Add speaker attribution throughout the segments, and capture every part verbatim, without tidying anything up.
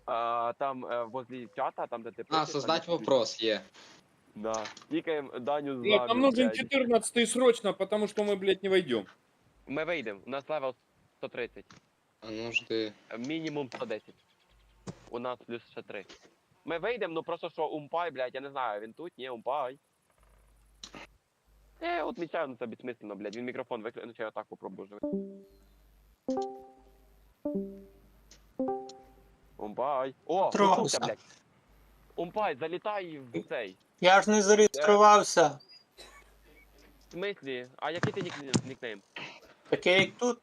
Speaker 1: А, там э, возле чата, там где ты
Speaker 2: А,
Speaker 1: пишешь,
Speaker 2: создать
Speaker 1: там-
Speaker 2: вопрос є.
Speaker 1: Да. Тикаем Даню с
Speaker 3: Блядь, нам
Speaker 1: нами,
Speaker 3: нужен
Speaker 1: блядь.
Speaker 3: четырнадцатый срочно, потому что мы, блядь, не войдем.
Speaker 1: Мы выйдем, у нас левел сто тридцать.
Speaker 2: А ну жди.
Speaker 1: Мінімум сто десять. У нас плюс ще три. Ми вийдемо, ну просто що умпай, блядь, я не знаю, він тут, ні, умпай. Е, от мічаю, ну це безсмисленно, блядь, він мікрофон виключив, я так попробую вже. Умпай. О,
Speaker 4: Тровся.
Speaker 1: почувся, блядь. Умпай, залітай в цей.
Speaker 4: Я ж не зареєструвався.
Speaker 1: В смислі? А який ти нік- нікнейм?
Speaker 4: Таке як тут.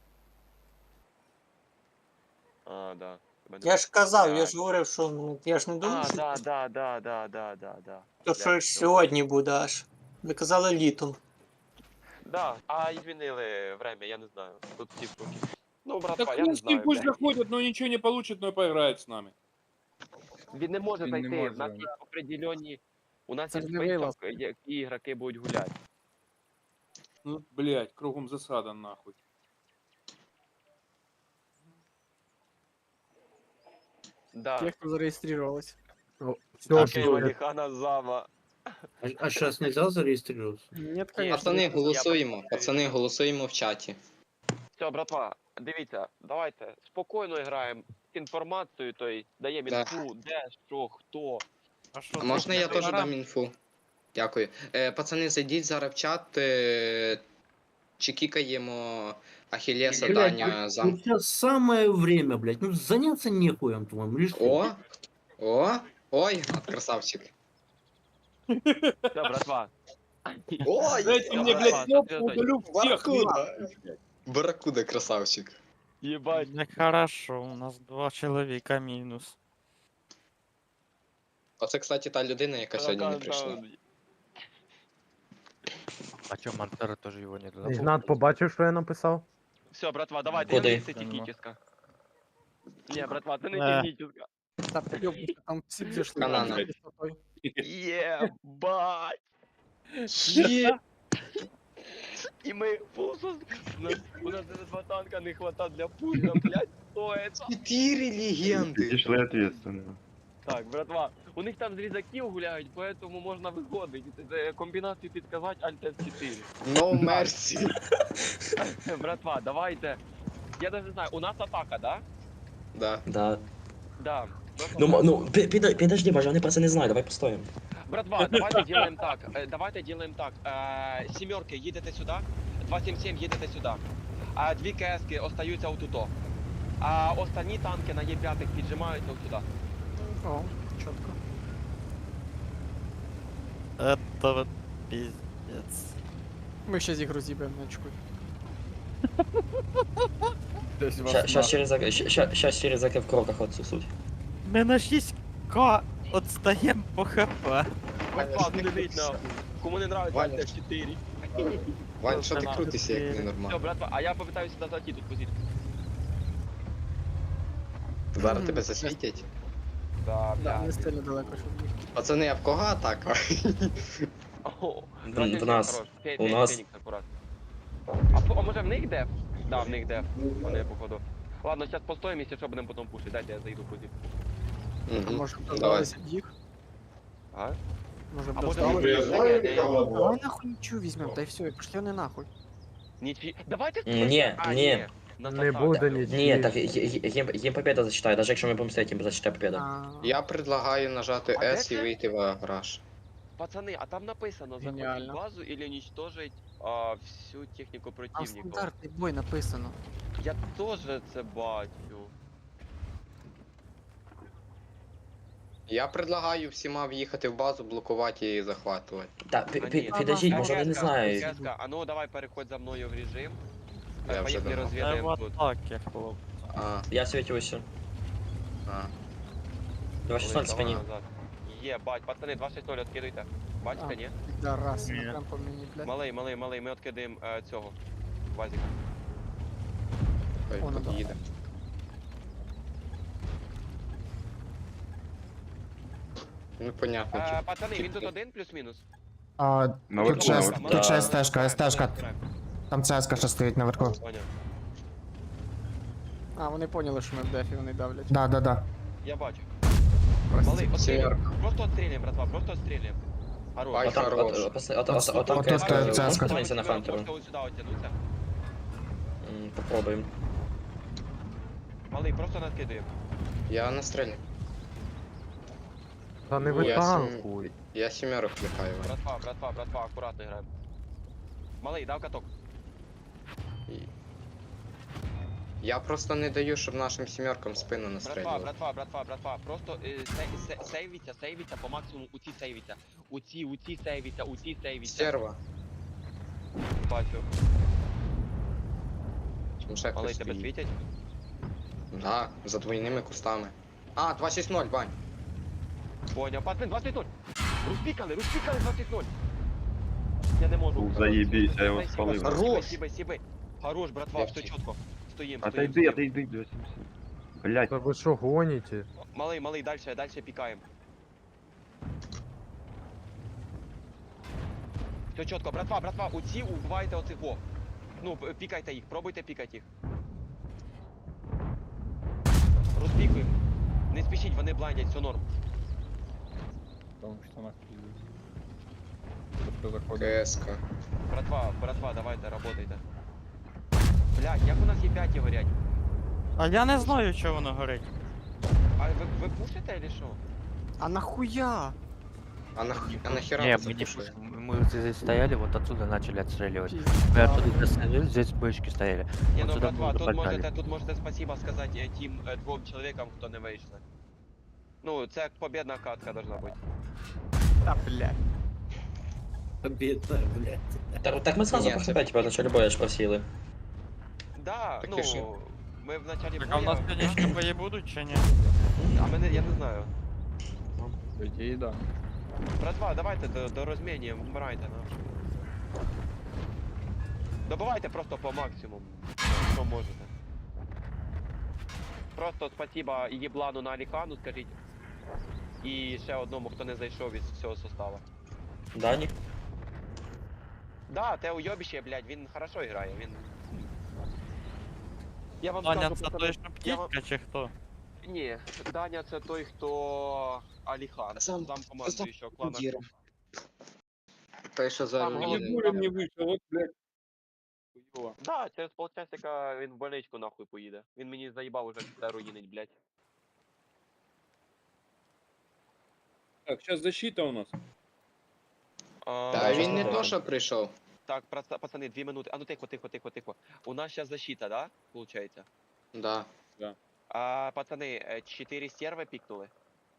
Speaker 1: А, да. Тебе не-
Speaker 4: Я ж казав, я
Speaker 1: Блядь.
Speaker 4: ж говорив, що ну, я ж не думав,
Speaker 1: А,
Speaker 4: що
Speaker 1: да, да, да, да, да, да, да.
Speaker 4: то
Speaker 1: Блядь,
Speaker 4: що ж
Speaker 1: всё.
Speaker 4: сьогодні буде аж. Ви казали літом.
Speaker 1: Да, а і змінили время, я не знаю. Тут всі штуки. Ну,
Speaker 3: Так
Speaker 1: братва, я
Speaker 3: хуй
Speaker 1: не
Speaker 3: с ним
Speaker 1: знаю,
Speaker 3: пусть
Speaker 1: блядь.
Speaker 3: заходят, но ничего не получит, но поиграет с нами.
Speaker 1: Він не може
Speaker 3: Він не
Speaker 1: зайти,
Speaker 3: може,
Speaker 1: в нас
Speaker 3: да.
Speaker 1: є определені... У нас
Speaker 5: Це
Speaker 1: є
Speaker 5: ж не вилаз.
Speaker 1: список, які ігроки будуть гуляти.
Speaker 3: Ну, блядь, кругом засада нахуй.
Speaker 1: Да.
Speaker 5: Те, кто зарегистрировалась.
Speaker 1: Окей, Валіхана зама.
Speaker 6: А, а сейчас нельзя зарегистрироваться?
Speaker 5: Нет, конечно.
Speaker 2: Пацани,
Speaker 5: не-
Speaker 2: голосуємо. Пацани, голосуємо в чаті.
Speaker 1: Все, братва, дивіться, давайте спокійно граємо інформацію, то есть даємо
Speaker 2: Да.
Speaker 1: інфу, де, що, хто.
Speaker 2: А можна я теж дам інфу? Дякую. Е, пацани, зайдіть зараз в чат. Е, чи кікаємо Ахілеса, Даня, зам.
Speaker 6: Ну, сейчас самое время, блядь. Ну заняться нехуем твоим. Лишь
Speaker 2: О! О! Ой, от красавчик.
Speaker 1: Все, братва.
Speaker 2: Ой!
Speaker 3: Дайте
Speaker 1: я
Speaker 3: мне,
Speaker 1: права,
Speaker 3: блядь, кнопку,
Speaker 1: соответственно,
Speaker 3: удалю всех.
Speaker 2: Баракуда! Баракуда, красавчик.
Speaker 1: Єбать.
Speaker 7: Нехорошо, у нас два чоловіка мінус.
Speaker 2: Оце, кстати, та людина, яка сьогодні не прийшла.
Speaker 7: А чо Мантера теж його не додав?
Speaker 8: Ігнат побачив, що я написав?
Speaker 1: Все, братва, давайте,
Speaker 2: Куди?
Speaker 1: я техническа. Не, братва, це не
Speaker 7: Е.
Speaker 1: техническа.
Speaker 5: Да, ёбнуться, там все зашли.
Speaker 2: Канана.
Speaker 5: Высотой.
Speaker 1: Єбать.
Speaker 2: Є!
Speaker 1: І ми фулсус. У нас даже два танка не хватает для пуля, блядь, что это?
Speaker 2: Чотири легенди!
Speaker 9: Пішли ответственно.
Speaker 1: Так, братва, у них там з різаків гуляють, поэтому можна виходити. Це комбінацію підказати Alt F чотири.
Speaker 2: No mercy!
Speaker 1: Братва, давайте. Я даже не знаю, у нас атака, да?
Speaker 2: Да.
Speaker 10: Да.
Speaker 1: Да. у нас
Speaker 10: Ну,
Speaker 1: атака.
Speaker 10: м- ну, пи- пида- подожди, Боже, они просто не знают, давай постоим.
Speaker 1: Братва, давайте делаем так. э, Давайте делаем так. Э, Семерки, їдете сюди. два сім сім їдете сюди. А дві КСки остаються отуто. А останні танки на Е п'ять піджимаються от сюди.
Speaker 5: О, четко.
Speaker 7: Это вот пиздец.
Speaker 5: Мы сейчас игру зибаем, не очкуй.
Speaker 10: Сейчас через ак- ща- ща- щас через АК в кроках отсусуть.
Speaker 7: Ми на шість ка отстаємо по хп.
Speaker 1: Братва, не дивіть нахуй. Кому не нравится
Speaker 2: Ваня.
Speaker 1: Alt F чотири.
Speaker 2: Вань, що ти крутишся, як
Speaker 1: Все,
Speaker 2: ненормально?
Speaker 1: братва, а я попитаюся сюди зайти тут позицію.
Speaker 2: Зараз тебе засвітять.
Speaker 1: Да,
Speaker 5: Да,
Speaker 1: блядь.
Speaker 5: не сильно далеко, щоб їх.
Speaker 2: Пацани, а в кого атака?
Speaker 1: О,
Speaker 10: В-
Speaker 1: два сім
Speaker 10: в
Speaker 1: сім,
Speaker 10: нас.
Speaker 1: хорош. Фе-
Speaker 10: У
Speaker 1: Фе-
Speaker 10: нас.
Speaker 1: Фенікс акурат. А, по- а може в них деф? Да, в них деф. Вони походу. Ладно, зараз постоїмо, якщо що будемо потім пушити. Дайте я зайду в позицію.
Speaker 2: Мгм.
Speaker 5: Може,
Speaker 2: Давай.
Speaker 5: дождалися їх?
Speaker 1: А?
Speaker 5: Може,
Speaker 1: А може
Speaker 5: дождалися?
Speaker 1: вони
Speaker 5: Давай нахуй нічого візьмем, та й все, і пішли вони нахуй.
Speaker 1: Нічі... Давайте
Speaker 10: М, ні,
Speaker 1: А,
Speaker 10: ні.
Speaker 1: На
Speaker 8: Не
Speaker 1: засаді.
Speaker 8: буде нічого.
Speaker 10: Ні, так є- є- їм, їм победа зачитає, навіть якщо ми будемо стояти, їм зачитає победа.
Speaker 5: А,
Speaker 2: Я предлагаю нажати
Speaker 1: А де
Speaker 2: S і
Speaker 1: це?
Speaker 2: вийти в гараж.
Speaker 1: Пацани, а там написано захватить
Speaker 5: Геніально.
Speaker 1: базу или уничтожить а, всю техніку
Speaker 5: Там
Speaker 1: противника.
Speaker 5: стандартний бой написано.
Speaker 1: Я теж це бачу.
Speaker 2: Я предлагаю всіма в'їхати в базу, блокувати і захватувати.
Speaker 10: Так, пі-
Speaker 1: А,
Speaker 10: пі-
Speaker 1: ні.
Speaker 10: підождіть,
Speaker 5: Ага.
Speaker 10: може вони не
Speaker 1: Кеска,
Speaker 10: знають.
Speaker 1: Кеска, а ну давай переходь за мною в режим.
Speaker 2: Я
Speaker 1: Е,
Speaker 2: вже
Speaker 1: Поїхали
Speaker 2: давно.
Speaker 7: Це в
Speaker 1: розвідаємо тут.
Speaker 7: атаки, хлоп.
Speaker 2: А,
Speaker 10: Я світюся.
Speaker 2: а.
Speaker 10: два шість ноль
Speaker 1: Давай
Speaker 10: спині.
Speaker 1: назад. Є, бать, пацани, два шість нуль відкидуйте. Бачите,
Speaker 5: А.
Speaker 1: ні?
Speaker 5: Да, раз,
Speaker 7: Ні.
Speaker 5: прям по мені, блядь.
Speaker 1: Малий, малий, малий, ми відкидаємо е, цього. Вазіка.
Speaker 2: Хай
Speaker 5: О, ну да.
Speaker 2: під'їде. Ну, понятно,
Speaker 1: Е,
Speaker 2: типу.
Speaker 1: пацани, він тут один плюс-мінус?
Speaker 11: А,
Speaker 9: Наверху,
Speaker 11: тут ще,
Speaker 9: наверху.
Speaker 11: тут ще
Speaker 10: Да.
Speaker 11: стежка, стежка. Там цеска ще стоїть наверху.
Speaker 1: Поняв.
Speaker 5: А, вони поняли, що ми в дефі, вони давлять.
Speaker 11: Да, да, да.
Speaker 1: Я бачу.
Speaker 5: Прости.
Speaker 1: Малий, отстрілюємо.
Speaker 2: Сімерка.
Speaker 1: Просто отстрілюємо, братва, просто отстрілюємо. Хорош.
Speaker 2: Ай,
Speaker 10: Отам,
Speaker 2: хорош.
Speaker 10: от, от, от, от,
Speaker 11: От-
Speaker 10: от, там
Speaker 11: от
Speaker 10: КС,
Speaker 11: тут, е,
Speaker 10: можеш
Speaker 11: цяска.
Speaker 10: подивитися на Хантеру?
Speaker 1: Можете ось сюди оттянуться.
Speaker 10: М, Попробуємо.
Speaker 1: Малий, просто накидуємо.
Speaker 2: Я настрелю.
Speaker 7: Та не
Speaker 2: Ну, я
Speaker 7: витанкуй.
Speaker 2: Я сімерок клепаю.
Speaker 1: Братва, братва, братва, акуратно граємо. Малий, дав каток.
Speaker 2: Я просто не даю, щоб нашим сімеркам спину
Speaker 1: Братва,
Speaker 2: настрелювали.
Speaker 1: братва, братва, братва. Просто е, сей- сей- сейвіться, сейвіться по максимуму. У ці сейвіться. У ці, у ці сейвіться, у ці сейвіться.
Speaker 2: Стерва.
Speaker 1: Бачу.
Speaker 2: Там ще
Speaker 1: Малий,
Speaker 2: хтось
Speaker 1: тебе
Speaker 2: стоїть.
Speaker 1: світять?
Speaker 2: Да, за двойними кустами. А, два шість ноль, Бань.
Speaker 1: Поняв, пацан, двадцять ноль. Розпікали, розпікали двадцять ноль. Я не можу.
Speaker 8: Заєбісь, я його
Speaker 1: Сіби,
Speaker 8: спалив.
Speaker 1: сіби,
Speaker 2: Хорош.
Speaker 1: Сіби, сіби. Хорош, братва, все
Speaker 2: Легче.
Speaker 1: чітко. Стоїм,
Speaker 8: А
Speaker 1: стоїм,
Speaker 8: Отойди,
Speaker 1: стоїм.
Speaker 8: отойди, восемьдесят. Блять,
Speaker 7: Та ви що гоніте?
Speaker 1: Малий, малий, дальше, дальше пікаємо. Все чітко, братва, братва, у ці убивайте оцих во. Ну, п- пікайте їх, пробуйте пікати їх. Розпікуємо. Не спішіть, вони блайдять, все норм.
Speaker 3: Потому что нахуй. Кто заходит?
Speaker 2: КСК.
Speaker 1: Братва, братва, давайте, работайте. Блядь, як у нас є п'ять горять?
Speaker 7: А я не знаю, що воно горить.
Speaker 1: А ви, ви пушите или що?
Speaker 5: А нахуя?
Speaker 2: А, нах... а нахера
Speaker 9: Не,
Speaker 2: вы
Speaker 9: мы не
Speaker 2: запушили?
Speaker 9: пушим. Мы вот здесь стояли, вот отсюда начали отстреливать. Мы
Speaker 5: Пизда.
Speaker 9: оттуда достали, здесь бочки стояли.
Speaker 1: Ні,
Speaker 9: Вот
Speaker 1: ну
Speaker 9: сюда
Speaker 1: братва,
Speaker 9: мы
Speaker 1: тут
Speaker 9: подали.
Speaker 1: можете, тут можете спасибо сказати е, тим е, двом чоловікам, хто не вийшли. Ну, це як побєдна катка должна бути.
Speaker 5: Та блядь.
Speaker 6: Победа, блядь.
Speaker 10: Так, так ми зразу
Speaker 2: Ні,
Speaker 10: по
Speaker 2: це-
Speaker 10: хп, типа, начали боя ж просіли.
Speaker 1: Да,
Speaker 2: Так
Speaker 1: ну,
Speaker 2: і ж-
Speaker 1: ми в началі
Speaker 7: Так а в нас
Speaker 1: боя-
Speaker 7: конечні бої будуть чи ні?
Speaker 1: А мене, я не знаю.
Speaker 3: По идее, да.
Speaker 1: Братва, давайте до, до розміння, вмирайте, ну. Добивайте просто по максимуму, що можете. Просто спасибо Єблану на Аліхану, скажіть. І ще одному, хто не зайшов із всього состава.
Speaker 10: Дані?
Speaker 1: Да, те уйобище, блядь, він хорошо грає, він... Я вам
Speaker 7: Даня,
Speaker 1: скажу,
Speaker 7: це
Speaker 1: пацани,
Speaker 7: той, що
Speaker 1: я вам-
Speaker 7: птічка чи хто?
Speaker 1: Ні, Даня це той, хто... Аліхан,
Speaker 2: Сам-
Speaker 1: зам командуючого клана.
Speaker 2: Дір. Той, що за
Speaker 1: Там
Speaker 3: Я
Speaker 1: головне-
Speaker 2: руїни.
Speaker 3: пулем не вышел, вот, блядь. Хуёво.
Speaker 1: Да, через полчасика він в больничку нахуй поїде. Він мені заїбав уже все руїнить, блядь.
Speaker 3: Так, сейчас защита у нас.
Speaker 1: А,
Speaker 2: Та
Speaker 10: щас
Speaker 2: він не
Speaker 10: добре.
Speaker 2: то, що прийшов.
Speaker 1: Так, праца- пацани, дві минути. А ну тихо, тихо, тихо, тихо. У нас сейчас защита, да? Получается.
Speaker 2: Да.
Speaker 1: А, пацани, е, чотири стерви пікнули.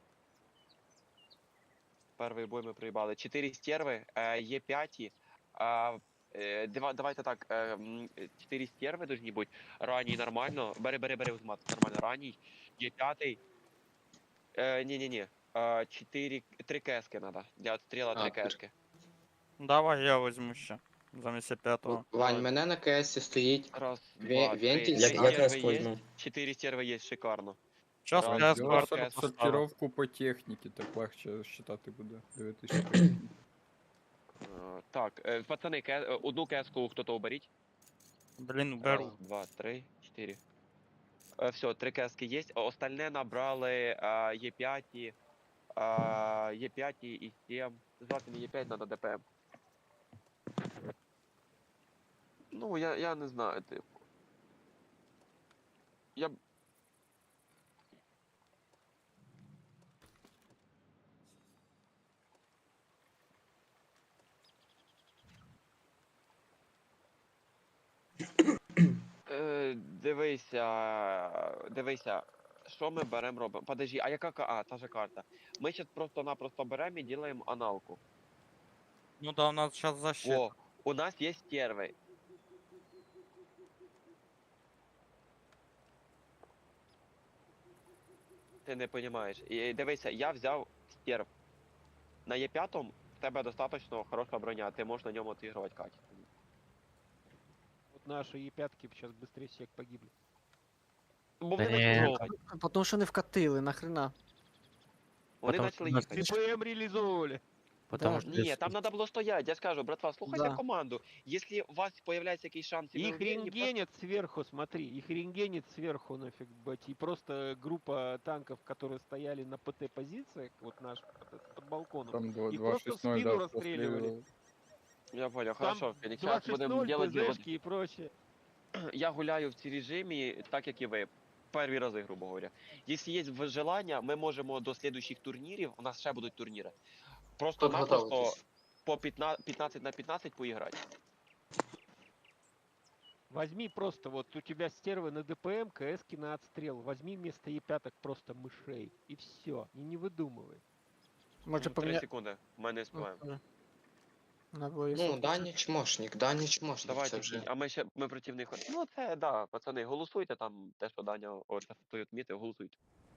Speaker 1: Перший бой ми проїбали. Чотири стерви, е, є п'яті. А, е, дива- давайте так, е, м, е, чотири стерви должні бути. Ранній нормально. Бери, бери, бери взмат. Нормально. Ранній. Є п'ятий. Е, ні-ні-ні. Е, чотири, три кески надо. Для отстріла
Speaker 2: А,
Speaker 1: три
Speaker 2: три.
Speaker 1: кески.
Speaker 7: Давай я візьму ще. Замість п'ятого.
Speaker 2: Вань, мене на КС стоїть.
Speaker 1: Раз,
Speaker 2: Ве-
Speaker 1: два,
Speaker 2: вентиль
Speaker 1: три.
Speaker 10: Як,
Speaker 2: Три
Speaker 10: як
Speaker 1: Стерви
Speaker 10: я
Speaker 1: є.
Speaker 10: возьму?
Speaker 1: Чотири стерви є, шикарно.
Speaker 7: Час
Speaker 1: Раз,
Speaker 7: я
Speaker 1: два,
Speaker 7: скоро
Speaker 1: кес.
Speaker 3: Сортировку по техніці, так легше считати буде. Дивитися.
Speaker 1: Е, Так, е, пацани, ке- е, одну кеску хто-то оберіть.
Speaker 7: Блін, беру.
Speaker 1: Раз, два, три, чотири. Е, все, три кески є. Остальне набрали е, Є п'ять, е, Є п'ять і сім. Звати мені Є п'ять надо ДПМ. Ну, я, я не знаю, типу. Я б... Е, дивися, дивися, що ми беремо робимо? Подожди, а яка ка- а, та же карта. Ми зараз просто-напросто беремо і робимо аналку.
Speaker 7: Ну да, у нас зараз защита.
Speaker 1: О, у нас є стерви. Ти не розумієш. І дивися, я взяв стерв. На Є п'ять в тебе достатньо хороша броня, ти можеш на ньому отігрувати качественно.
Speaker 5: Вот наши Е пятки сейчас быстрее всех погибли.
Speaker 1: Бо вони
Speaker 9: Та
Speaker 1: почали
Speaker 9: ні.
Speaker 1: їхати.
Speaker 5: Потому що не вкатили, нахрена.
Speaker 1: Вони
Speaker 9: Потому що
Speaker 1: почали
Speaker 9: у нас
Speaker 1: їхати.
Speaker 5: ТПМ реализовывали.
Speaker 9: Потому что
Speaker 1: Ні,
Speaker 9: здесь-
Speaker 1: там треба було стояти, я скажу, братва, слухайте
Speaker 7: Да.
Speaker 1: команду. Якщо у вас появляється якийсь шанс, і ви
Speaker 5: Их
Speaker 1: уверені, просто-
Speaker 5: рентгенит сверху, смотри, их рентгенит сверху нафиг, бать. И просто группа танков, которые стояли на ПТ позициях, вот наш под, под балконом,
Speaker 3: Там два-
Speaker 5: их
Speaker 3: два
Speaker 5: просто в
Speaker 3: шесть ноль,
Speaker 5: спину
Speaker 3: да,
Speaker 5: расстреливали.
Speaker 3: простреливал.
Speaker 1: Я понял,
Speaker 5: Там
Speaker 1: хорошо, Фелікс, зараз будемо
Speaker 5: два шесть ноль,
Speaker 1: делать
Speaker 5: ПЗшки и прочее.
Speaker 1: Я гуляю в цій режимі, так як і ви. Перві рази, грубо говоря. Якщо є желання, ми можемо до слідуючих турнірів, у нас ще будуть турніри. Просто напросто
Speaker 2: Подготовитесь.
Speaker 1: по п'ятнадцять п'ятнадцять на п'ятнадцять поіграти.
Speaker 5: Возьми просто, вот у тебя стервы на ДПМ, КСки на отстрел. Возьми вместо Е5 просто мышей. И все. И не выдумывай.
Speaker 7: Може
Speaker 1: Три
Speaker 7: поміняти.
Speaker 1: секунди, ми не співаємо.
Speaker 7: На двоє
Speaker 2: Ну,
Speaker 7: суток.
Speaker 2: Дані чмошник, Дані чмошник, це
Speaker 1: Давайте,
Speaker 2: вже.
Speaker 1: а ми ще ми проти них. Ну це да, пацани, голосуйте там, те, що Даня от той відмітив, голосуйте.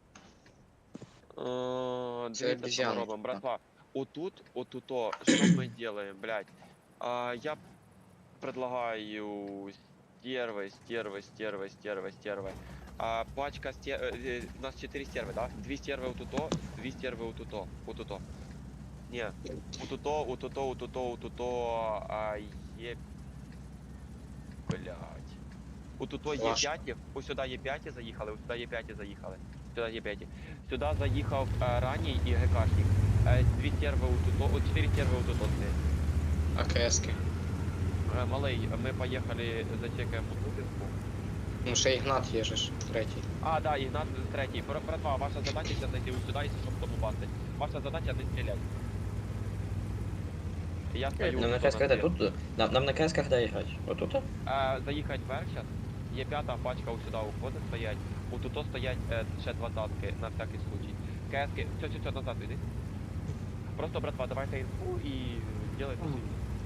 Speaker 1: Е,
Speaker 2: Це
Speaker 1: Дивіться, що ми
Speaker 2: обіз'яни.
Speaker 1: робимо, братва. Отут, отуто, що ми робимо, блядь? А, я предлагаю стервы, стервы, стервы, стервы, стервы. А, пачка стер... э, э, у нас четыре стервы, да? Две стервы у туто, две стервы у туто, у туто. Не, у туто, у туто, у туто, у туто, а, е... Блядь. У туто є
Speaker 2: Ваш.
Speaker 1: п'ять, ось сюди є п'ять заїхали, ось сюди є п'ять заїхали. Сюди є п'ять. Сюди заїхав е, ранній і ГКшник. Е, дві стерви у туто, о, чотири стерви у туто стоять.
Speaker 2: А КСки?
Speaker 1: Е, Малий, ми поїхали, зачекаємо Тупінку.
Speaker 2: Ну, ще Ігнат є же ж, третій.
Speaker 1: А, да, Ігнат третій. Бра- Братва, ваша задача зараз зайти ось сюди, якщо щоб тому бачити. Ваша задача не стріляти. Я стою.
Speaker 10: Нам на
Speaker 1: тут
Speaker 10: КС когда
Speaker 1: стріл.
Speaker 10: тут? Нам, нам на КС когда играть? Вот тут?
Speaker 1: Е, заїхати вверх зараз. Є п'ята пачка ось сюди уходить стоять. У туто стоять е, ще двадцятки на всякий случай. КСки, все, все, все, назад йди. Просто, братва, давайте інфу і делайте свій.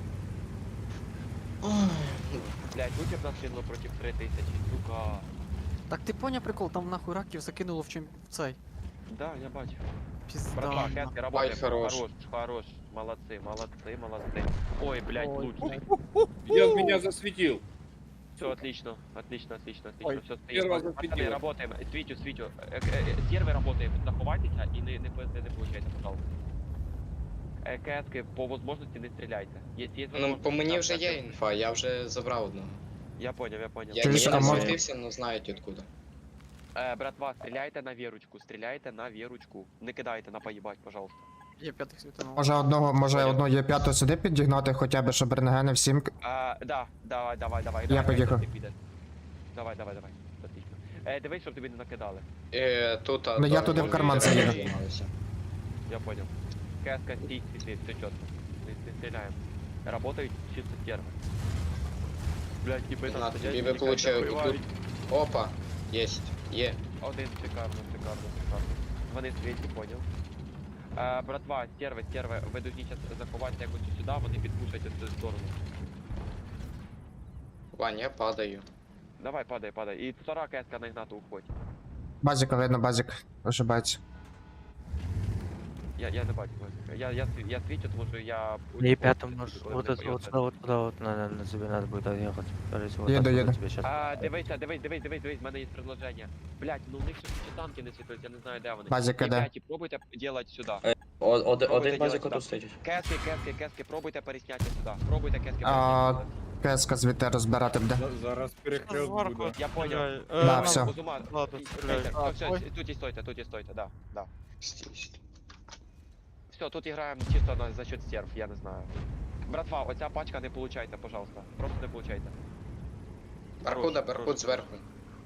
Speaker 1: Блять, випів нас кинуло проти три тисячі, сука.
Speaker 7: Так ти поняв прикол, там нахуй раків закинуло в чим в цей.
Speaker 1: Да, я бачу.
Speaker 7: Пізда.
Speaker 1: Братва,
Speaker 7: нахуй.
Speaker 1: Кэски, работаем.
Speaker 2: хорош.
Speaker 1: Хорош, хорош. Молодцы, молодцы, молодцы. Ой, блядь,
Speaker 7: Ой,
Speaker 1: лучше.
Speaker 12: Я в меня засветил.
Speaker 1: Все, отлично, отлично, отлично,
Speaker 12: Ой,
Speaker 1: отлично. Все,
Speaker 12: первого
Speaker 1: стоим. Пацаны,
Speaker 12: засветило.
Speaker 1: работаем. Свитю, свитю. Э, э, э, Сервер работаем. Заховайтеся и не, не, не, не получайте, пожалуйста. Э, Кэски, по возможности не стреляйте. Если есть
Speaker 2: Ну,
Speaker 1: возможность,
Speaker 2: по мені
Speaker 1: так,
Speaker 2: вже
Speaker 1: так,
Speaker 2: є
Speaker 1: так.
Speaker 2: інфа, я вже забрав одного.
Speaker 1: Я понял, я понял.
Speaker 2: Я
Speaker 11: Чуєш,
Speaker 2: не
Speaker 11: а може-
Speaker 2: засвітився, але знають откуда.
Speaker 1: Э, братва, стреляйте на верочку, стреляйте на верочку. Не кидайте на поебать, пожалуйста.
Speaker 7: Є п'ятих світанув.
Speaker 11: Може одного, може
Speaker 1: Понял.
Speaker 11: одну є п'яту сюди підігнати, хоча б, щоб рентгени всім.
Speaker 1: А, да, давай, давай, давай.
Speaker 11: Я
Speaker 1: давай,
Speaker 11: поїхав.
Speaker 1: ти підеш. Давай, давай, давай. Отлично. Е, дивись, щоб тобі не накидали.
Speaker 2: Е, тут, а,
Speaker 11: Ну, я
Speaker 2: то-
Speaker 11: туди в
Speaker 2: то-
Speaker 11: карман
Speaker 2: то-
Speaker 11: заїду.
Speaker 2: займалися.
Speaker 1: Я понял. Кэска, стій, стій, стій, все четко. Не, не стреляем. Работают чисто стервы. Блять, типа там
Speaker 2: Ігнат,
Speaker 1: сидять,
Speaker 2: тобі би
Speaker 1: тікають,
Speaker 2: получив і
Speaker 1: добивають.
Speaker 2: тут. Опа, єсть, є.
Speaker 1: Один, шикарно, шикарно, шикарно. Вони світі, понял. Е, братва, стерви, стерви, ви должні зараз заховатися якось сюди, вони підпушать цю сторону.
Speaker 2: Вань, я падаю.
Speaker 1: Давай, падай, падай. І втора кеска на Ігнату уходь.
Speaker 11: Базіка видно, базік ошибається.
Speaker 1: Я, я не бачу. Васика. Я, я, сві- я свічу, тому що я...
Speaker 9: И пятым
Speaker 1: коли
Speaker 9: может,
Speaker 1: мене
Speaker 9: вот, это,
Speaker 1: поїхали.
Speaker 9: вот сюда, вот туда, вот, на, на тебе надо будет отъехать. Скорее всего,
Speaker 11: Еду,
Speaker 9: отсюда
Speaker 11: еду.
Speaker 9: тебе щас-
Speaker 1: А, дивися, дивись, дивись, дивись, дивись, в мене є предложення. Блять, ну у них ще ще танки не світують, я не знаю, де вони.
Speaker 11: Базіка де?
Speaker 1: Ребята, пробуйте делать сюди.
Speaker 10: О- од-
Speaker 1: Пробуйте
Speaker 10: Один базик
Speaker 1: делать
Speaker 10: отут
Speaker 1: сюди.
Speaker 10: стоїть.
Speaker 1: Кески, кески, кески, пробуйте пересняти сюди. Пробуйте кески
Speaker 11: А,
Speaker 1: пересняти.
Speaker 11: КСК звідти розбирати буде.
Speaker 3: За- Зараз перехрест буде.
Speaker 1: Я понял.
Speaker 7: Е,
Speaker 11: Да,
Speaker 7: нам-
Speaker 11: все.
Speaker 1: Узума,
Speaker 7: Ладно,
Speaker 1: і-
Speaker 7: стріляй.
Speaker 1: стойте,
Speaker 7: А,
Speaker 1: все,
Speaker 7: ой.
Speaker 1: все, тут і стойте, тут і стойте, да, да.
Speaker 2: Стій, стій.
Speaker 1: Все, тут граємо чисто на, за счет стерв, я не знаю. Братва, оця пачка не получайте, пожалуйста. Просто не получайте.
Speaker 2: Баркуда,
Speaker 1: Хорош,
Speaker 2: Баркуд
Speaker 1: хорош.
Speaker 2: зверху.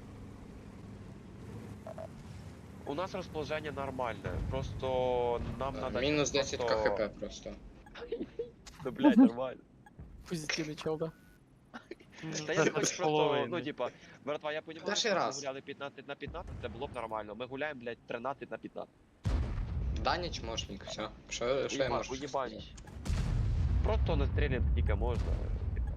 Speaker 1: У нас розположення нормальне, просто нам
Speaker 2: Е,
Speaker 1: надо...
Speaker 2: Мінус десять
Speaker 1: просто-
Speaker 2: КХП просто.
Speaker 1: Ну, блядь, нормально.
Speaker 7: Позитивний чел, да?
Speaker 1: Та я не хочу просто, ну типа, братва, я понимаю,
Speaker 2: Перший
Speaker 1: що ми
Speaker 2: раз.
Speaker 1: гуляли п'ятнадцять на п'ятнадцять, це було б нормально. Ми гуляємо, блядь, тринадцять на п'ятнадцять.
Speaker 2: Даня чмошник, все. Що, що я
Speaker 1: Уєба-
Speaker 2: можу
Speaker 1: уєбаніч.
Speaker 2: сказати?
Speaker 1: Просто настрілюємо скільки можна. типа.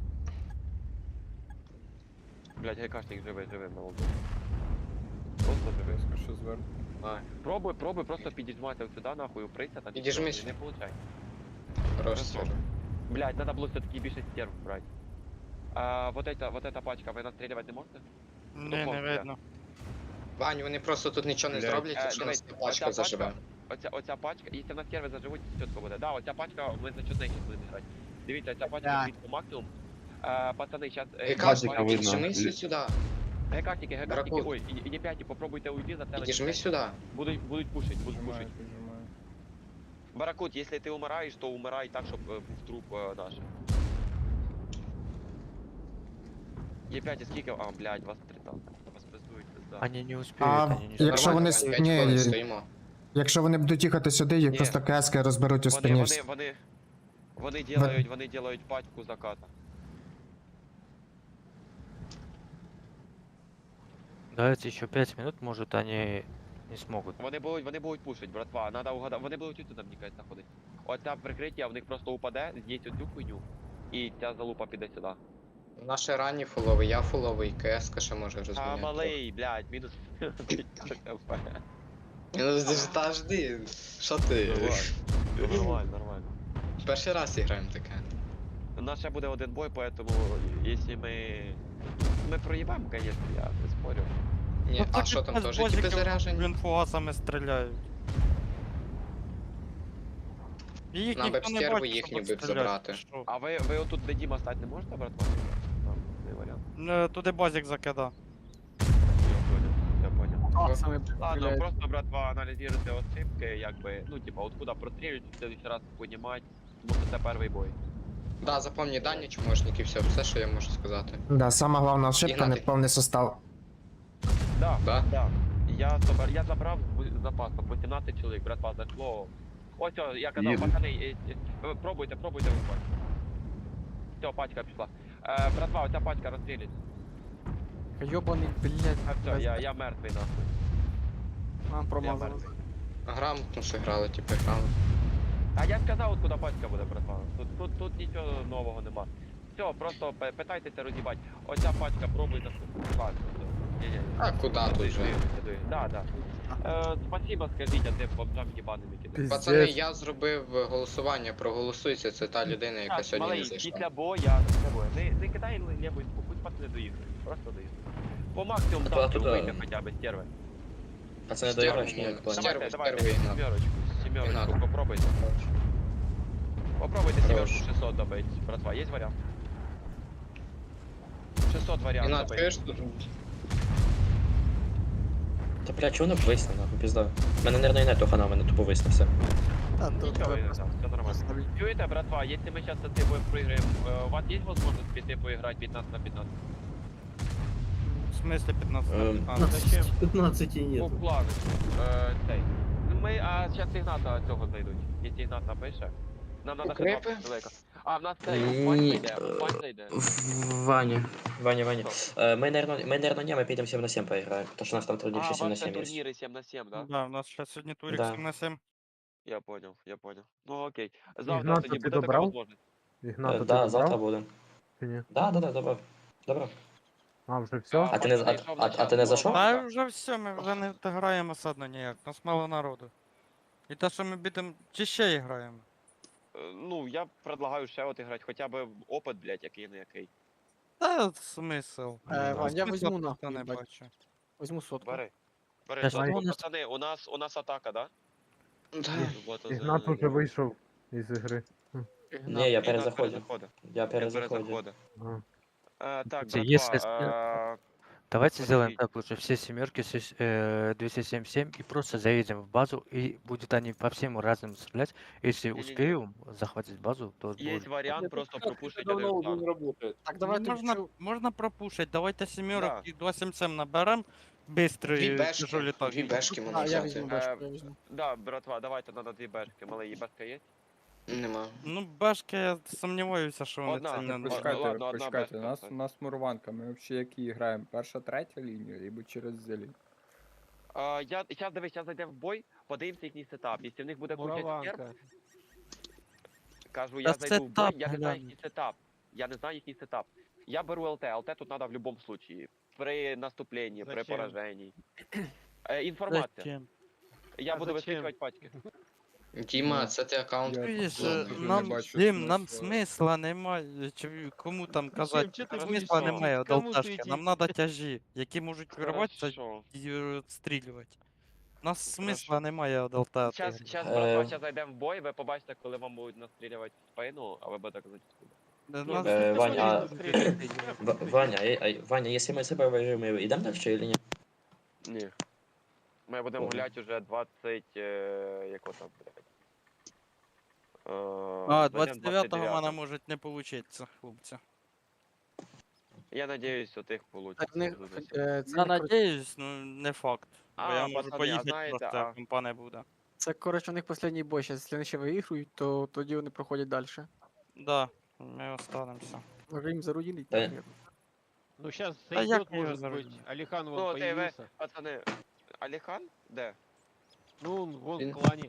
Speaker 1: Блядь, гайкашник живий, живий на лбу. Просто живий.
Speaker 3: Резко ще зверху.
Speaker 2: А,
Speaker 1: Пробуй, пробуй просто підіжмати сюди, нахуй, уприся там.
Speaker 2: Підіжмись.
Speaker 1: і Не получай.
Speaker 2: хорош,
Speaker 1: Хорошо.
Speaker 2: Сережа.
Speaker 1: Блядь, надо было все-таки більше стерв брать. А, вот эта, вот эта пачка, ви настреливать не можете?
Speaker 7: Не, не
Speaker 1: Хлопці.
Speaker 7: видно.
Speaker 2: Вань, вони просто тут нічого не
Speaker 3: Блядь.
Speaker 2: зроблять,
Speaker 1: Е,
Speaker 2: якщо
Speaker 1: дивись,
Speaker 2: нас ця пачка
Speaker 1: оця
Speaker 2: заживе.
Speaker 1: пачка- оця, оця пачка, якщо на сервер заживуть, чітко буде. Да, оця пачка, ми за чотири будемо грати. Дивіться, ця пачка
Speaker 7: Да.
Speaker 1: стоїть по максимум. Е, пацани, зараз...
Speaker 2: Гекашник,
Speaker 8: бачите, видно.
Speaker 2: піджимися сюди.
Speaker 1: Гекашники, гекашники,
Speaker 2: Дракон.
Speaker 1: ой, і, і не п'яті, попробуйте уйти за телек.
Speaker 2: Підіжми сюди.
Speaker 1: Будуть, будуть пушить, будуть
Speaker 3: Піджимаю,
Speaker 1: пушить.
Speaker 3: піджимаю.
Speaker 1: Баракут, якщо ти умираєш, то умирай так, щоб е, був труп е, наш. Є п'ять, скільки? А, блядь, вас три танка. Вас пиздують, пизда.
Speaker 9: Они не успеют,
Speaker 11: А,
Speaker 9: они не
Speaker 11: як-
Speaker 9: успеют.
Speaker 11: Якщо вони с-
Speaker 2: п'ять
Speaker 11: ні,
Speaker 2: хвилин
Speaker 11: ні.
Speaker 2: стоїмо.
Speaker 11: Якщо вони будуть їхати сюди, їх
Speaker 1: Ні.
Speaker 11: просто кески розберуть у
Speaker 1: Вони,
Speaker 11: спині.
Speaker 1: вони, вони, вони делають, вони делають пачку заката.
Speaker 9: Давайте еще пять минут, может они не смогут.
Speaker 1: Вони будуть, вони будуть пушить, братва, надо угадати, вони будуть тут, мені кажуть, заходить. Оця прикриття в них просто упаде, з'їсть оцю хуйню, і ця залупа піде сюди.
Speaker 2: Наші ранні фуловий, я фуловий, КС ще може
Speaker 1: А,
Speaker 2: розміняти.
Speaker 1: малий, блядь, мінус
Speaker 2: Ну, ж- та жди, що ти?
Speaker 1: Нормально, нормально.
Speaker 2: Перший раз граємо таке.
Speaker 1: У нас ще буде один бой, поэтому, якщо ми... Ми проїбемо, конечно, я не спорю.
Speaker 2: Ні, а що там теж типи заряжені?
Speaker 7: Блін, фугасами стріляють. І їх
Speaker 2: Нам би
Speaker 7: ніхто не
Speaker 2: стерви
Speaker 7: бачить,
Speaker 2: їхні
Speaker 7: щоб
Speaker 2: би б
Speaker 7: стріляти,
Speaker 2: забрати.
Speaker 7: що?
Speaker 1: А ви, ви отут де Діма стати не можете, братва? Там, не варіант.
Speaker 7: Е, Туди базик закидав.
Speaker 1: Я понял, я понял.
Speaker 2: О,
Speaker 3: Саме
Speaker 1: Ладно, просто, братва, аналізуйте ошибки, якби, ну, типа, откуда прострілюють, в следующий раз понімати, тому що це перший бой.
Speaker 2: Да, запомні дані, чмошники, все, все, що я можу сказати.
Speaker 11: Да, сама головна ошибка,
Speaker 2: Ігнатий.
Speaker 11: неповний состав.
Speaker 1: Да,
Speaker 2: Да?
Speaker 1: да. Я, собер... я забрав з запасом вісімнадцять чоловік, братва, зайшло. Ось, о, я казав,
Speaker 8: Їду.
Speaker 1: пацани, е, е, ви пробуйте, пробуйте виходь. Все, пачка пішла. Е, братва, оця пачка розстрілить.
Speaker 3: Йобаний, блядь.
Speaker 1: А все, я, я мертвий, нахуй.
Speaker 3: Нам
Speaker 1: Я
Speaker 3: промазали.
Speaker 1: мертвий.
Speaker 2: Грамотно грали, типу, грали.
Speaker 1: А я сказав, от куди пачка буде, братва. Тут, тут, тут нічого нового нема. Все, просто пи- питайтеся роз'їбать. Оця пачка, пробуйте. Ладно, все. Ні-ні.
Speaker 2: А куди тут
Speaker 1: Дуй,
Speaker 2: же?
Speaker 1: дуй, дуй. Да, да. Е, спасибо, скажіть, а ти бомжам їбаним кидає.
Speaker 2: Пацани, я зробив голосування, проголосуйся, це та людина, яка
Speaker 1: Так,
Speaker 2: сьогодні не
Speaker 1: малий,
Speaker 2: зайшла.
Speaker 1: після боя, після боя. Не, не кидай лівою, пусть пацани доїхали. Просто доїхали. По максимуму
Speaker 10: А
Speaker 1: там
Speaker 10: туди-
Speaker 1: вийти хоча б стерви.
Speaker 10: Пацаны,
Speaker 2: Стерву
Speaker 10: доиграешь?
Speaker 2: ні,
Speaker 10: Нет, план.
Speaker 2: стерву,
Speaker 1: Давайте, давайте,
Speaker 2: стерву Ігнат.
Speaker 1: сімерочку, сімерочку,
Speaker 2: Ігнат.
Speaker 1: попробуйте. Попробуйте
Speaker 2: Хорош.
Speaker 1: сімерку шестьсот добить, братва, є варіант? шестьсот варіант
Speaker 2: Ігнат,
Speaker 1: добить.
Speaker 2: чуєш тут?
Speaker 10: Та бля, чого не висне, нахуй, пізда. Мене, наверное, і нету хана, мене тупо висне все.
Speaker 7: А, тут
Speaker 1: Нічого, Ігнат, все нормально. Чуєте, братва, якщо ми зараз цей бой проіграємо, е, у вас є можливість піти поіграти п'ятнадцять на п'ятнадцять?
Speaker 7: в смысле пятнадцать на
Speaker 10: Ем,
Speaker 7: пятнадцать?
Speaker 1: Зачем?
Speaker 6: пятнадцати
Speaker 1: По
Speaker 6: нет.
Speaker 1: плану. Е, цей. Ну, Ми, а зараз Ігната цього знайдуть. Якщо Ігнат напише. Нам надо ще
Speaker 2: Укрепи?
Speaker 1: два далеко. А, в нас цей,
Speaker 10: Ні,
Speaker 1: Вань зайде,
Speaker 10: е,
Speaker 1: Вань зайде.
Speaker 10: Ваня. Ваня, Ваня. Е, Ми, наверное, ми, наверное, не, ми підемо сім на сім поіграємо. Тому що у нас там
Speaker 1: А,
Speaker 10: турнір
Speaker 1: у
Speaker 10: ще сім на
Speaker 1: вас це
Speaker 10: сім є.
Speaker 1: турніри сім на сім, да?
Speaker 7: Да, у нас сейчас сьогодні турик
Speaker 10: Да.
Speaker 7: сім на сім.
Speaker 1: Я понял, я понял. Ну окей. Завтра
Speaker 12: Ігната
Speaker 1: тоді
Speaker 12: ти
Speaker 1: буде така
Speaker 12: добрав?
Speaker 1: можливість.
Speaker 10: Е, Да, завтра буде.
Speaker 12: Чи ні?
Speaker 10: Да, да, да, добро. Добро.
Speaker 12: А, вже все?
Speaker 10: А ти не- а-
Speaker 1: Зайшов на
Speaker 10: а- а
Speaker 1: час,
Speaker 10: ти не
Speaker 1: була
Speaker 10: зайшов?
Speaker 1: бабка.
Speaker 7: Та вже все, ми вже не граємо осадно ніяк, нас мало народу. І те, що ми бідемо, чи ще граємо.
Speaker 1: Е, Ну, я предлагаю ще от іграти, хоча б опит, блядь, який не який.
Speaker 7: Та смисл.
Speaker 3: Е, Вань, я
Speaker 7: Смисла
Speaker 3: візьму
Speaker 7: просто
Speaker 3: нахуй,
Speaker 7: не
Speaker 3: їбать.
Speaker 7: бачу.
Speaker 3: Візьму сотку.
Speaker 1: Бери. Бери,
Speaker 9: Та
Speaker 1: сотку.
Speaker 9: що у нас-
Speaker 1: Пацани, у нас, у нас атака, да?
Speaker 2: Да.
Speaker 1: Вот,
Speaker 12: Ігнат уже вийшов із ігри.
Speaker 10: Ні, я перезаходив.
Speaker 1: перезаходив.
Speaker 10: Я
Speaker 1: Я
Speaker 10: перезаходив.
Speaker 1: перезаходив.
Speaker 12: Ага.
Speaker 1: Е, Так,
Speaker 9: Если
Speaker 1: братва,
Speaker 9: с-
Speaker 1: е,
Speaker 9: Давайте сделаем
Speaker 1: Подожди.
Speaker 9: так лучше. Все семерки, все с- э, двести семьдесят семь и просто заедем в базу и будет они по всем разным стрелять. Если
Speaker 1: Не-не-не.
Speaker 9: успеем захватить базу, то
Speaker 1: є
Speaker 9: будет.
Speaker 1: варіант просто пропушити
Speaker 12: Давно
Speaker 1: один
Speaker 12: уже
Speaker 1: план.
Speaker 12: не работает.
Speaker 3: Так,
Speaker 7: Давай
Speaker 3: давай
Speaker 7: можна,
Speaker 3: можна...
Speaker 7: можна пропушить, давайте сімерок
Speaker 1: Да.
Speaker 7: і два сім сім наберем.
Speaker 2: Дві
Speaker 7: Бистрий
Speaker 2: бешки,
Speaker 7: тяжелі так.
Speaker 2: дві бешки
Speaker 3: А,
Speaker 2: можна
Speaker 3: я
Speaker 2: взяти.
Speaker 3: візьму
Speaker 1: Е,
Speaker 3: башку, я візьму.
Speaker 1: Да, братва, давайте надо дві бешки. Малий, бешка є?
Speaker 2: Нема.
Speaker 7: Ну, бешки, я сумніваюся, що вони
Speaker 1: Одна,
Speaker 7: це
Speaker 1: не
Speaker 7: не
Speaker 1: ладно,
Speaker 3: Почекайте,
Speaker 7: наберуть.
Speaker 1: ладно, одна
Speaker 3: почекайте,
Speaker 1: бешка,
Speaker 3: нас,
Speaker 1: так.
Speaker 3: у нас мурванка, ми взагалі які граємо? Перша, третя лінія, або через зелень.
Speaker 1: А, я, зараз дивись, зараз зайдемо в бой, подивимося їхній сетап. Якщо в них буде куча стерв,
Speaker 5: Мураванка.
Speaker 1: кажу, я
Speaker 7: Та
Speaker 1: зайду в бой,
Speaker 7: сетап,
Speaker 1: я не знаю
Speaker 7: глянь.
Speaker 1: їхній сетап. Я не знаю їхній сетап. Я беру ЛТ, ЛТ тут треба в будь-якому случаї. При наступленні, при
Speaker 5: Зачем?
Speaker 1: пораженні. Е, інформація.
Speaker 7: Зачем?
Speaker 1: Я
Speaker 5: А
Speaker 1: буду
Speaker 5: зачем?
Speaker 1: висвітлювати пачки.
Speaker 2: Діма, це ти аккаунт.
Speaker 3: Я
Speaker 7: Чуєш,
Speaker 3: Я
Speaker 7: е,
Speaker 3: дуже не
Speaker 7: нам,
Speaker 3: бачу
Speaker 7: Дім, нам
Speaker 3: смисла.
Speaker 7: смисла немає. Чи кому там казати,
Speaker 5: Чим ти
Speaker 7: смисла
Speaker 1: будеш
Speaker 7: немає від
Speaker 5: кому
Speaker 7: алташки.
Speaker 5: світити?
Speaker 7: Нам треба тяжі, які можуть вирватися
Speaker 1: Хорошо.
Speaker 7: і е, відстрілювати. нас смисла немає одалтати.
Speaker 1: Зараз, зараз,
Speaker 10: Е.
Speaker 1: братва, зараз зайдемо в бой, ви побачите, коли вам будуть настрілювати в спину, а ви будете казати, куди.
Speaker 7: Нас
Speaker 10: Е, Ваня, а-
Speaker 5: Стреляйте, не
Speaker 10: В- Ваня, а- а- Ваня, если мы с тобой выиграем, мы идем дальше или нет?
Speaker 1: Ні. Ми будемо
Speaker 10: Ого.
Speaker 1: гуляти вже двадцять, е, яко там, блядь. Е,
Speaker 7: А,
Speaker 1: зайдемо
Speaker 7: двадцять дев'ятого в мене
Speaker 1: дев'ятого.
Speaker 7: може не получиться, хлопці.
Speaker 1: Я надіюсь, у тих получиться.
Speaker 3: Так, в них,
Speaker 1: дуже сильно.
Speaker 3: е, це,
Speaker 7: Я
Speaker 3: не кор-
Speaker 7: надіюсь, ну не факт. Бо
Speaker 1: А,
Speaker 7: я можу
Speaker 1: пацани, а
Speaker 7: поїхати
Speaker 1: знаєте,
Speaker 7: просто,
Speaker 1: а-
Speaker 7: а компа не буде.
Speaker 3: це коротше у них останній бой. Щас, якщо вони ще виіграють, то тоді вони проходять далі.
Speaker 7: Да, ми останемося.
Speaker 3: Може їм заруділить.
Speaker 10: Та-
Speaker 3: наприклад.
Speaker 5: Ну сейчас
Speaker 7: А як
Speaker 5: зайдет,
Speaker 7: я его
Speaker 5: может
Speaker 7: заразил?
Speaker 5: быть. Алихан вон
Speaker 1: Ну, от і ви,
Speaker 5: появился.
Speaker 1: пацани, Аліхан? Де?
Speaker 5: Ну, он вон
Speaker 2: Він-
Speaker 5: в клане.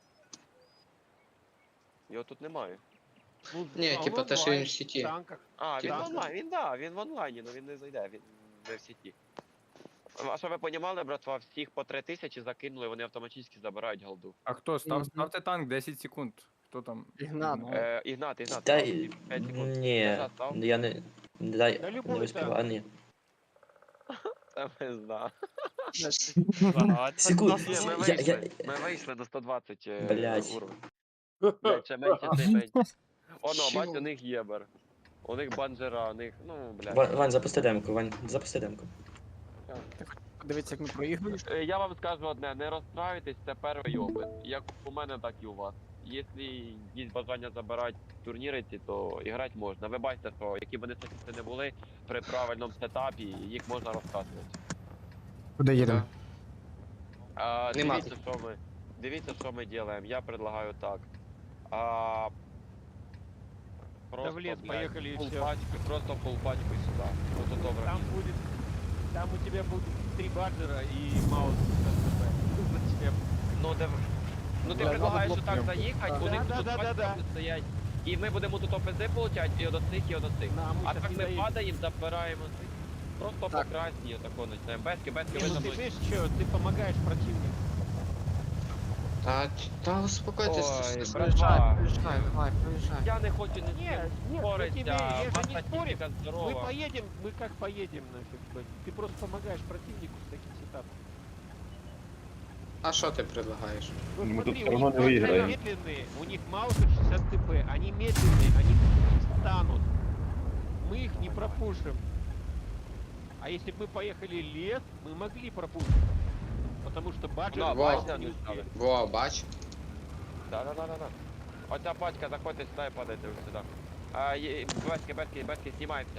Speaker 1: Його тут немає.
Speaker 5: Ну,
Speaker 2: Ні,
Speaker 5: а он
Speaker 2: типа те, що він
Speaker 5: онлайн,
Speaker 2: в сіті.
Speaker 5: в танках.
Speaker 1: А, він
Speaker 5: Так.
Speaker 1: онлайн, він да, він в онлайні, але він не зайде, він не в сіті. А що ви понімали, братва, всіх по три тисячі закинули, вони автоматично забирають голду.
Speaker 3: А хто? Став,
Speaker 4: Мгм.
Speaker 3: ставте танк десять секунд. Хто там?
Speaker 4: Ігнат.
Speaker 3: Ну,
Speaker 1: Е, Ігнат, Ігнат,
Speaker 10: Да,
Speaker 1: став,
Speaker 10: и-
Speaker 1: п'ять секунд.
Speaker 10: не,
Speaker 1: Назад став.
Speaker 10: я не, дай,
Speaker 5: Да
Speaker 10: не
Speaker 5: любой
Speaker 10: успел,
Speaker 5: танк.
Speaker 10: а не.
Speaker 1: Це ми знаю.
Speaker 10: Секунд,
Speaker 1: Ні, ми
Speaker 10: я, я,
Speaker 1: вийшли, ми вийшли до сто двадцять е,
Speaker 10: Блядь.
Speaker 1: уровень. Блядь, ще менше, це менше. Оно, бать, у них єбер. У них банджера, у них, ну, блядь.
Speaker 10: Вань, Вань, запусти демку, Вань, запусти демку.
Speaker 3: Дивіться, як ми проігруємо.
Speaker 1: Е, Я вам скажу одне, не розстраюйтесь, це перший опит. Як у мене, так і у вас. Якщо є бажання забирати турніри ці, то грати можна. Ви бачите, що які б вони сетапи не були, при правильному сетапі їх можна розкатувати.
Speaker 11: Куди їдемо?
Speaker 1: А,
Speaker 2: Нема.
Speaker 1: дивіться, що ми. Дивіться, що ми робимо. Я предлагаю так. А, просто,
Speaker 5: в лес
Speaker 1: блядь,
Speaker 5: поехали и
Speaker 1: фул
Speaker 5: всё.
Speaker 1: пачку, просто фул пачку і сюди. Ото добре.
Speaker 5: Там будет... Там у тебя будет три баджера и маус. Зачем?
Speaker 1: Ну, де... ну ти
Speaker 3: Да,
Speaker 1: предлагаєш
Speaker 3: надо
Speaker 1: отак
Speaker 3: блокнути.
Speaker 1: заїхати,
Speaker 5: Да,
Speaker 1: у них
Speaker 5: да,
Speaker 1: тут
Speaker 5: да, да,
Speaker 1: пачка
Speaker 5: да.
Speaker 1: буде стоять. І ми будемо тут ОПЗ получати, і от цих, і от цих.
Speaker 5: На, мы
Speaker 1: А
Speaker 5: щас
Speaker 1: так
Speaker 5: не
Speaker 1: ми
Speaker 5: доедем.
Speaker 1: падаємо, забираємо цих. Просто
Speaker 3: Так.
Speaker 1: по красній отако почнемо. Бески, бески,
Speaker 5: Не,
Speaker 1: ви
Speaker 5: ну
Speaker 1: за
Speaker 5: ты
Speaker 1: мною.
Speaker 5: видишь, что ты помогаешь противнику.
Speaker 2: Та, та успокойтесь.
Speaker 1: Ой,
Speaker 2: це ж-
Speaker 1: братва,
Speaker 3: Проїжджай, давай, проїжджай.
Speaker 1: я не хочу ні з
Speaker 5: Нет,
Speaker 1: ким
Speaker 5: нет, я
Speaker 1: споритися,
Speaker 5: тебе, я же не
Speaker 1: ваша
Speaker 5: спорю.
Speaker 1: техніка
Speaker 5: Мы
Speaker 1: здорова.
Speaker 5: поедем, мы как поедем нафиг, блядь. Ты просто помогаешь противнику с таким сетапом.
Speaker 2: А що ти предлагаєш?
Speaker 5: Ну,
Speaker 8: Мы
Speaker 5: смотри,
Speaker 8: тут
Speaker 5: у
Speaker 8: всё равно
Speaker 5: них
Speaker 8: не
Speaker 5: баджеры
Speaker 8: выиграем.
Speaker 5: медленные, у них маузер шестьдесят ТП, они медленные, они станут. Мы их не пропушим. А если бы мы поехали лес, мы могли пропушить. Потому что баджеры
Speaker 1: Ну,
Speaker 2: Вау.
Speaker 1: бачите,
Speaker 5: не
Speaker 1: не
Speaker 5: успели.
Speaker 1: стали.
Speaker 2: Во, бач.
Speaker 1: Да, да, да, да, да. Оця пачка, заходьте сюди і падайте ось сюди. А, є, бески, бески, бески, знімаємося.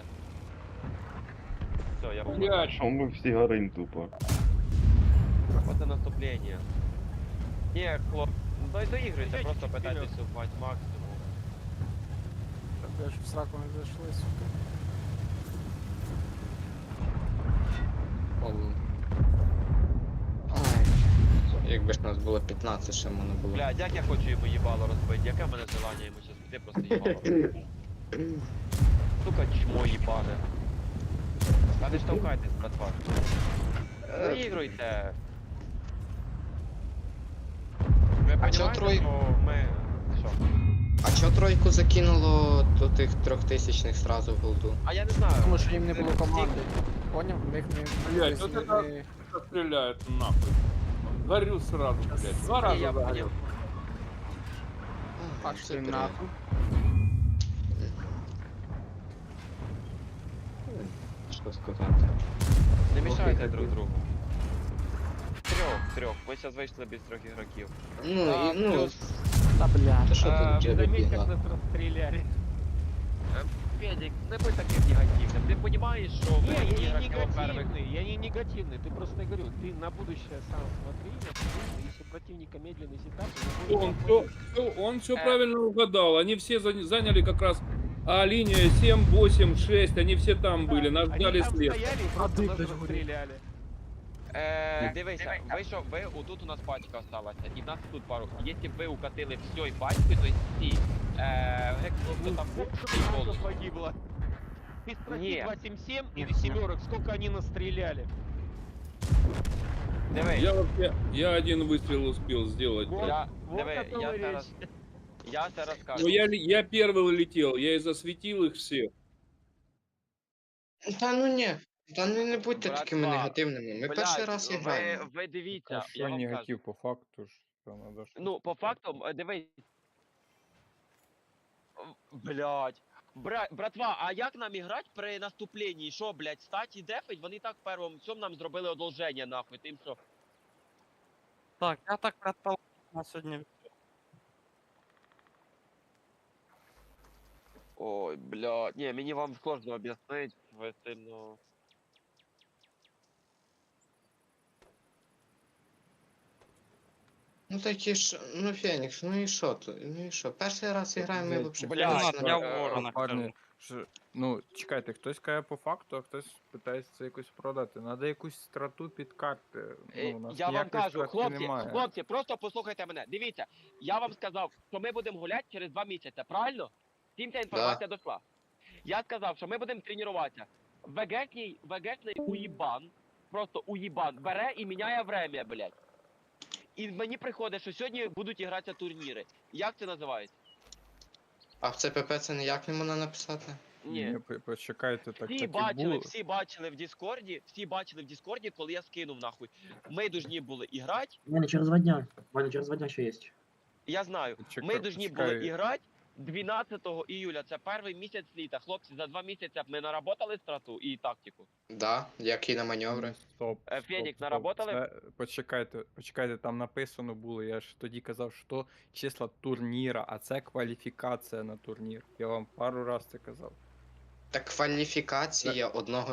Speaker 1: Все, я був.
Speaker 8: Що ми всі горим тупо.
Speaker 1: Оце наступлення. Ні, хлоп, ну дай доігруйте,
Speaker 5: Езжайте
Speaker 1: просто
Speaker 5: чуть
Speaker 1: питайтесь
Speaker 5: вперед.
Speaker 1: у мать максимум.
Speaker 3: Я ж в сраку не зайшли, сука.
Speaker 2: О. Ай. Якби ж нас було п'ятнадцять, ще можна було.
Speaker 1: Блядь, як я хочу йому їбало розбити, яке в мене желання йому щас піти просто їбало. Сука, чмо їбане. Та не штовхайтесь, братва. Доігруйте. Ви
Speaker 2: А чо
Speaker 1: понімаєте,
Speaker 2: трой-
Speaker 1: що ми... Що?
Speaker 2: А чо тройку закинуло до тих трьохтисячних сразу в голду?
Speaker 1: А я не знаю.
Speaker 3: Тому що їм не було
Speaker 1: Всіх-
Speaker 3: команди. Поняв? В них не...
Speaker 12: Блядь,
Speaker 3: десь
Speaker 12: от
Speaker 3: не-
Speaker 12: это- Стреляют нахуй. Горю сразу, блядь. Два
Speaker 1: Ні,
Speaker 12: раза
Speaker 1: я
Speaker 12: загорел.
Speaker 1: поняв.
Speaker 2: А,
Speaker 3: Пошли
Speaker 2: це
Speaker 3: нахуй.
Speaker 2: Що сказати?
Speaker 1: Не мішайте друг другу. Трьох, трьох. Ми зараз вийшли без трьох ігроків.
Speaker 2: Ну,
Speaker 1: А,
Speaker 2: і, ну,
Speaker 1: плюс,
Speaker 3: Та бля.
Speaker 2: то що
Speaker 1: А,
Speaker 2: тут
Speaker 5: Ты
Speaker 2: джеби
Speaker 5: заметь, как
Speaker 2: бігла?
Speaker 5: нас расстреляли.
Speaker 1: Федік, не будь таким негативним. Ти розумієш, що
Speaker 5: Не,
Speaker 1: ви
Speaker 5: я не
Speaker 1: ігроків перших...
Speaker 5: негативный, я не негативный. Ты просто я говорю, ты на будущее сам смотри, на будущее, если у противника медленный сетап, то
Speaker 12: Он
Speaker 5: будет
Speaker 12: все, он все
Speaker 1: Э.
Speaker 12: правильно угадал. Они все за- заняли как раз а, линия семь, восемь, шесть. Они все там были. Нас
Speaker 5: Они
Speaker 12: ждали
Speaker 5: там
Speaker 12: след.
Speaker 5: стояли и просто
Speaker 3: ты,
Speaker 5: нас
Speaker 3: блядь, говори.
Speaker 5: расстреляли.
Speaker 1: Е, дивися, вийшов, ви, отут у нас пачка осталася, і в нас тут пару. Якщо б ви укатили всьої пачки, то всі, е, гек, хто там був,
Speaker 5: Сколько
Speaker 1: і
Speaker 5: танков
Speaker 1: голос.
Speaker 5: погибло? Ты спроси
Speaker 1: Не.
Speaker 5: два семь семь или семерок, сколько они настреляли?
Speaker 1: Диви,
Speaker 12: Я вообще, я один выстрел успел сделать.
Speaker 5: Вот,
Speaker 1: я,
Speaker 5: вот
Speaker 1: диви,
Speaker 5: о том
Speaker 1: я
Speaker 5: и
Speaker 1: це
Speaker 5: речь.
Speaker 1: роз... Я це
Speaker 12: Но
Speaker 1: розкажу.
Speaker 12: я, ли- я первый летел, я и засветил их всех.
Speaker 2: Та ну ні. Та ну не будьте
Speaker 1: Братва,
Speaker 2: такими негативними. Ми перший
Speaker 1: Блядь,
Speaker 2: раз
Speaker 1: ви,
Speaker 2: граємо.
Speaker 1: ви дивіться,
Speaker 3: Та
Speaker 1: я
Speaker 3: що
Speaker 1: вам кажу.
Speaker 3: негатив по факту ж, то надо щось
Speaker 1: Ну, по
Speaker 3: сказати.
Speaker 1: факту, е, дивись. Блять. Бра... Братва, а як нам іграти при наступленні? Що, блядь, стать і дефить? Вони так в першому цьому нам зробили одолження, нахуй, тим, що...
Speaker 7: Так, я так предполагаю на сьогодні.
Speaker 1: Ой, блядь. Ні, мені вам сложно об'яснити, ви сильно...
Speaker 2: Ну такі ж, ну Фенікс, ну і що тут? Ну і що? Перший раз граємо, ми
Speaker 3: Блядь,
Speaker 2: взагалі
Speaker 1: блядь,
Speaker 2: класно
Speaker 7: я
Speaker 2: граємо.
Speaker 7: в ворона
Speaker 3: Парні,
Speaker 7: кажу.
Speaker 3: що, ну, чекайте, хтось каже по факту, а хтось питається це якось продати. Надо якусь страту під карти.
Speaker 1: Е,
Speaker 3: Ну, у нас
Speaker 1: я вам
Speaker 3: ніякої
Speaker 1: кажу,
Speaker 3: стратки
Speaker 1: хлопці,
Speaker 3: немає.
Speaker 1: хлопці, просто послухайте мене. Дивіться, я вам сказав, що ми будемо гуляти через два місяці, правильно? Всім ця інформація дійшла. Я сказав, що ми будемо тренуватися. ВГшний, ВГшний уїбан, просто уїбан, бере і міняє время, блядь. І мені приходить, що сьогодні будуть гратися турніри. Як це називається?
Speaker 2: А в ЦПП це ніяк не можна написати?
Speaker 1: Ні.
Speaker 3: Ні, по- почекайте, так,
Speaker 1: Всі
Speaker 3: так і
Speaker 1: бачили,
Speaker 3: було.
Speaker 1: всі бачили в Діскорді, всі бачили в Діскорді, коли я скинув нахуй. Ми должні були іграти,
Speaker 6: Ваня, через два дня. Ваня, через два дня ще есть.
Speaker 1: я знаю,
Speaker 3: Почекай-
Speaker 1: ми должні
Speaker 3: почекай.
Speaker 1: були іграти дванадцятого іюля, це перший місяць літа. Хлопці, за два місяці б ми наработали страту і тактику.
Speaker 2: Да, як і на маневри.
Speaker 3: Стоп,
Speaker 1: Е,
Speaker 3: стоп,
Speaker 1: Фенікс,
Speaker 3: стоп.
Speaker 1: наработали?
Speaker 3: Це- Почекайте, почекайте, там написано було, я ж тоді казав, що числа турніра, а це кваліфікація на турнір. Я вам пару раз це казав.
Speaker 2: Так кваліфікація одного